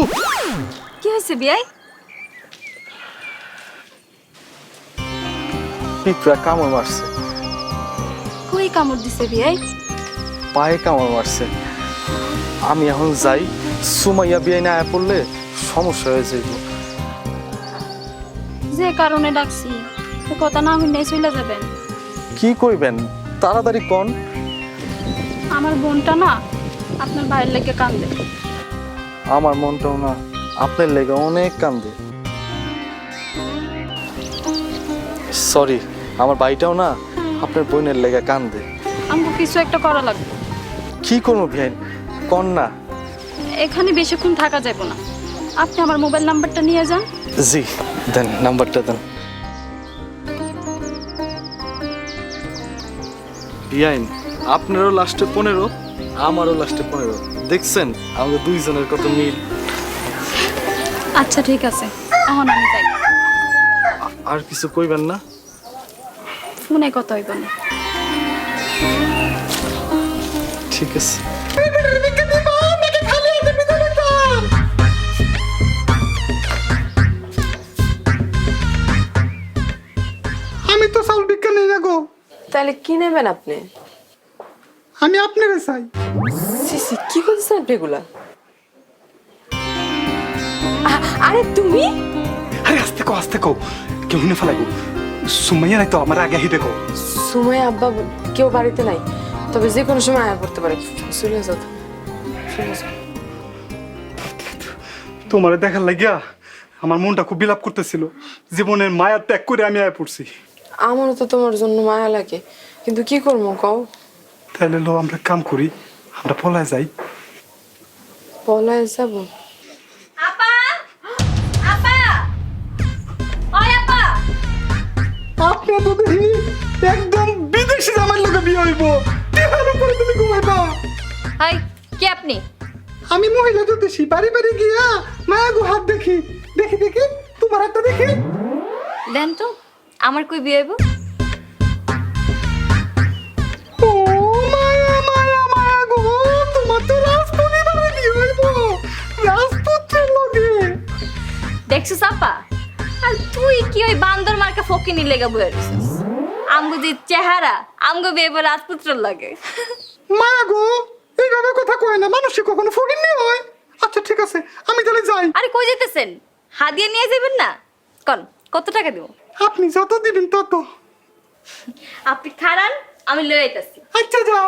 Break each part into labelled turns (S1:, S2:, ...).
S1: কি হয়েছে বিয়াই?
S2: পিঁপড়া কামড় মারছে,
S1: কই কামড় দিছে বিয়াই?
S2: পায়ে কামড় মারছে। আমি এখন যাই, সুমাইয়া বিয়ে না আয়া পড়লে সমস্যা হয়ে যাইব।
S1: যে কারণে ডাকছি তো কথা না হইলে চলে যাবেন।
S2: কি কইবেন তাড়াতাড়ি কোন।
S1: আমার বোনটা না আপনার ভাইয়ের লেগে কান্দে।
S2: আমার মনটাও না আপনার লেগে অনেক কান্দে। সরি, আমার ভাইটাও না আপনার বোনের লেগে কান্দে।
S1: আমাকে কিছু একটা করা লাগবে।
S2: কি করবো ভাই কোন না।
S1: এখানে বেশিক্ষণ থাকা যাবে না, আপনি আমার মোবাইল নাম্বারটা নিয়ে যান।
S2: জি দেন, নাম্বারটা দেন। বিয়াইন আপনারও লাস্টে 15, আমারও লাস্টে 15। দেখছেন আমাদের দুইজনের কত মিল।
S1: আচ্ছা ঠিক আছে, এখন আমি যাই।
S2: আর কিছু কইবেন না?
S1: ফোনে কথা হইব না।
S2: ঠিক আছে।
S3: আমি তো চাউল বিজ্ঞান নেই না গো।
S4: তাহলে কি নেবেন আপনি?
S3: আমি আপনারে চাই।
S4: সিসি কি করছেন আপনি এগুলা? আরে তুমি?
S3: আরে আস্তে কো কেউ শুনে ফেলাইবো। সুমাইয়া নাই তো আমার আগে আহি দেখো।
S4: সুমাই আব্বা কেউ বাড়িতে নাই, তবে যে কোনো সময় আয়া পড়তে পারে। চলে যাও তো। চলে যাও।
S3: তোমারে দেখার লাগিয়া আমার মনটা খুব বিলাপ করতেছিল। জীবনের মায়া ত্যাগ করে আমি আয়া পড়ছি।
S4: আমারও তো তোমার জন্য মায়া লাগে, কিন্তু কি করবো কও?
S3: তাহলে লো আমরা কাম করি, আমরা পলায় যাই।
S4: পলায় যাবো?
S1: আপা, আপা, ওই আপা।
S3: আপনি তো দেখি একদম বিদেশি জামাই লোকে বিয়ে হইব। টেহার উপরে তুমি ঘুমাইবা।
S1: হাই, কে আপনি?
S3: আমি মহিলা জ্যোতিষী, বাড়ি বাড়ি গিয়া মায়া গো হাত দেখি দেখি দেখি তোমার হাতটা দেখি।
S1: দেন তো, আমার কই বিয়ে হইব?
S3: ও মায়া মায়া মায়া গো, তোমার তো রাজপুত্রী বাড়ি বিয়ে হইব। রাজপুত্রের লগে।
S1: দেখছিস আপা, আর তুই কি ওই বান্দর মার্কা ফকিনি লেগে বয়ে রইছিস? আমগো যে চেহারা, আমগো বিয়ে হইব রাজপুত্রের লাগে।
S3: মায়া গো, এইভাবে কথা কয় না, মানুষ কখনো ফকিন্নি হয়। আচ্ছা ঠিক আছে, আমি তাহলে যাই।
S1: আরে কই যেতেছেন? হাদিয়া নিয়ে যাবেন না? কোন কত টাকা দেব?
S3: আপনি যত দিবেন তত।
S1: আপনি খারান, আমি লয়ে আইতাছি।
S3: আচ্ছা যাও।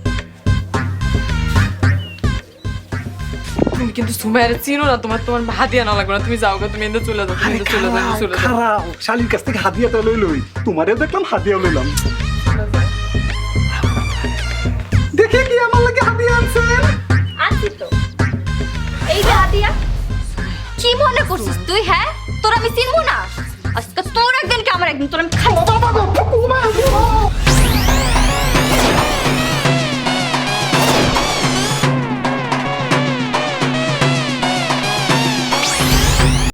S4: তুমি কিন্তু সুমাইয়ারে চিনো না, তোমার হাদিয়া না লাগবে না। তুমি যাও গো, তুমি এনে চলে যাও, তুমি এনে চলে যাও, চলে যাও।
S3: খারাপ শালির কাছ থেকে হাদিয়াটা লই লই, তোমারেও দেখলাম হাদিয়াও লইলাম। দেখে কি আমার লাগে হাদিয়া আনছেন?
S1: আনছি তো, এই যে হাদিয়া। কি মনে করছিস তুই? হ্যাঁ, তোর আমি চিনবো না? আজকে তোর একদিন কি আমার একদিন, তোর আমি খাবো।
S3: বাবা গো, ও মা গো।